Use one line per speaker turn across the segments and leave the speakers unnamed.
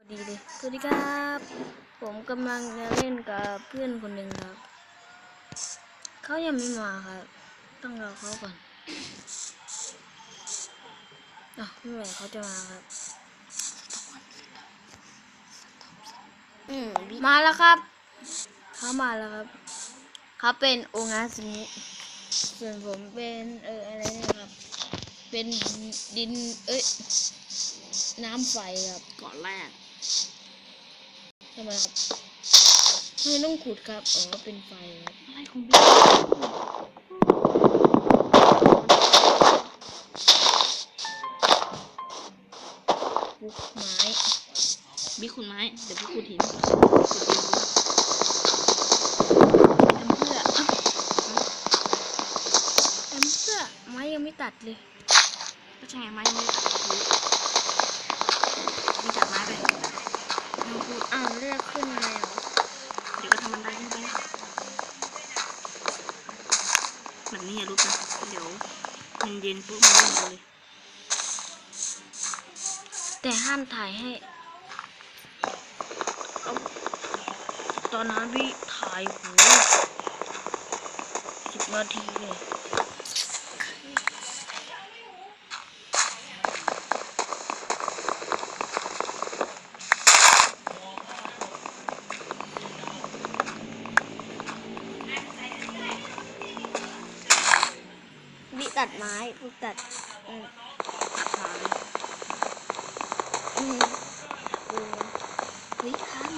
ดีเลยสวัสดีครับผมกำลังจะเล่นกับเพื่อนคนหนึ่งครับเขายังไม่มาครับต้องรอเขาก่อนไม่ไหวเขาจะมาครับมาแล้วครับเขามาแล้วครับเขาเป็นโองาซึมิส่วนผมเป็นอะไรเนี่ยครับเป็นดินน้ำไฟครับ
เกาะแรก
ทำไมครับไม่ต้องขุดครับเป็นไฟครับ
อะไรของบิ๊ก
ปุ๊กไม้
บิ๊กขุดไม้เดี๋ยวพี่ขุดหิน
ทำเพื่อไม้ยังไม่ตัดเลย
ก็ใช่ไงไม้ยังไม่ตัดมีจับไม้ไปไม่พูด
เลือกขึ้นแล้ว
เดี๋ยวก็ทำมันได้ขึ้นไปแบบนี้อย่าลุกนะเดี๋ยวมันเย็นปุ๊บมันเล่นเลย
แต่ห้ามถ่ายให้ตอนนั้นพี่ถ่ายหู10 นาทีเลยบิตัดไม้พวกตัดวิคัน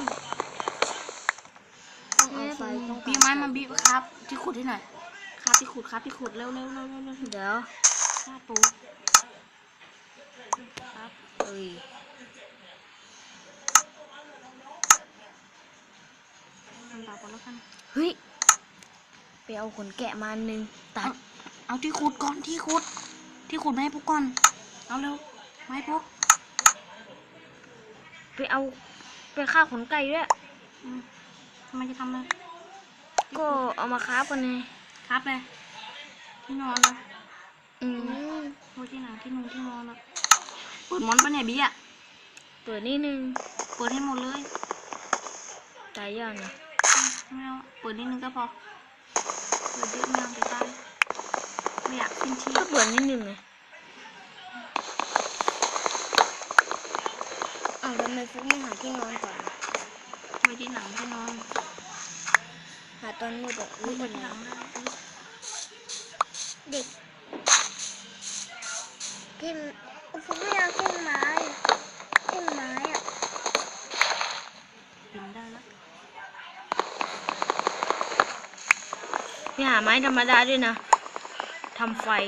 ต้องเอาไฟต้อง
บีไม้มาบีครับที่ขุดที่ไหนครับที่ขุดเร็ว
เดี๋ยว
ข้าปูครับทำต่อไปแล้วกัน
เฮ้ยไปเอาขนแกะมาหนึ่งตัด
เอาที่ขุดก่อนที่ขุดไม่ให้พวกก่อนเอาเร็วไม่ให้พวก
ไปฆ่าขนไก่ด้วย
ทำไมจะทำเลย
ก็เอามาคราฟกันไง
ครับเลยที่นอนเลยโอ้ที่ไหนที่นอนอะเปิดมอนปะเนี่ยบี้อะ
เปิดนิดนึง
เปิดให้หมดเลย
ตายยากนะ
ไม่เอาเปิดนิดนึงก็พอเปิดเยอะไม่เอาจะตายไม่อยากขึ้นที่
ก็เปิดนิดนึงไงทำไมฟุกไม่หาที่นอนก่อน
ไม่ที่หนังที่นอน
หาตอนมืดแบบ
ไม่ที่หนัง
เด็กกินฟุกไม่เอากินไม้อะ
กินได้แล้ว
นี่หาไม้ธรรมดาด้วยนะทำไฟ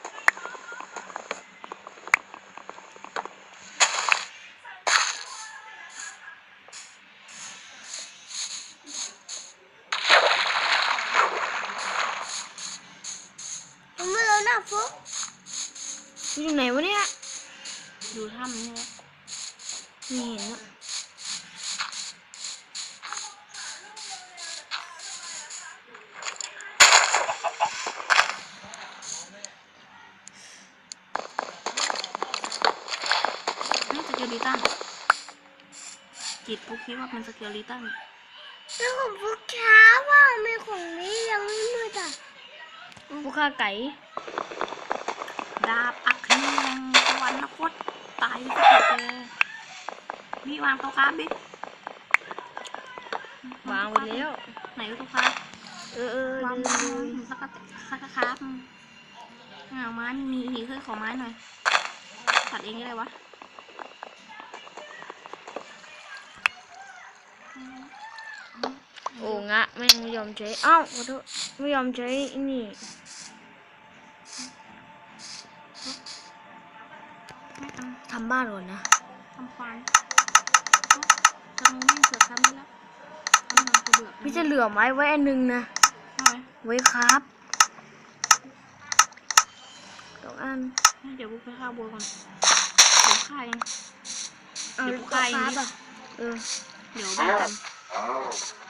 ฟุกอยู่ไหนวะเนี่ย
อยู่ถ้ำนี่แหละ
ไม่เห็นอะ
นี่สเกลิตันจิตปุ๊กคิดว่าเป็นสเกลิตัน
แล้วของฟุกช้าว่าไม่ของนี้ยังไม่มืดอ่ะฟุกฆ่าไก่
ดาบอัคนีแห่งสวรรคตตายไปเจอมีวางโต๊ะค้าบิ๊ก
วางไปแล้ว
ไหนโต๊ะค้าวางสักครับไม้มีเคยขอไม้หน่อยตัดเองได้วะ
โอ้งะแม่งไม่ยอมใช้ขอโทษไม่ยอมใช้นี่ทำบ้านก่อนนะ
ทำควายจะมองวิ่งเสือครับนี่แล้ว
พี่จะเหลือไม้ไว้อันนึงนะไว้ครับ2 อัน
เดี๋ยวบุกไปฆ่าบัวก่อนเดี๋ยวฆ่าเอง
เดี๋ยวฆ่าเอง
เดี๋ยวบ้ากัน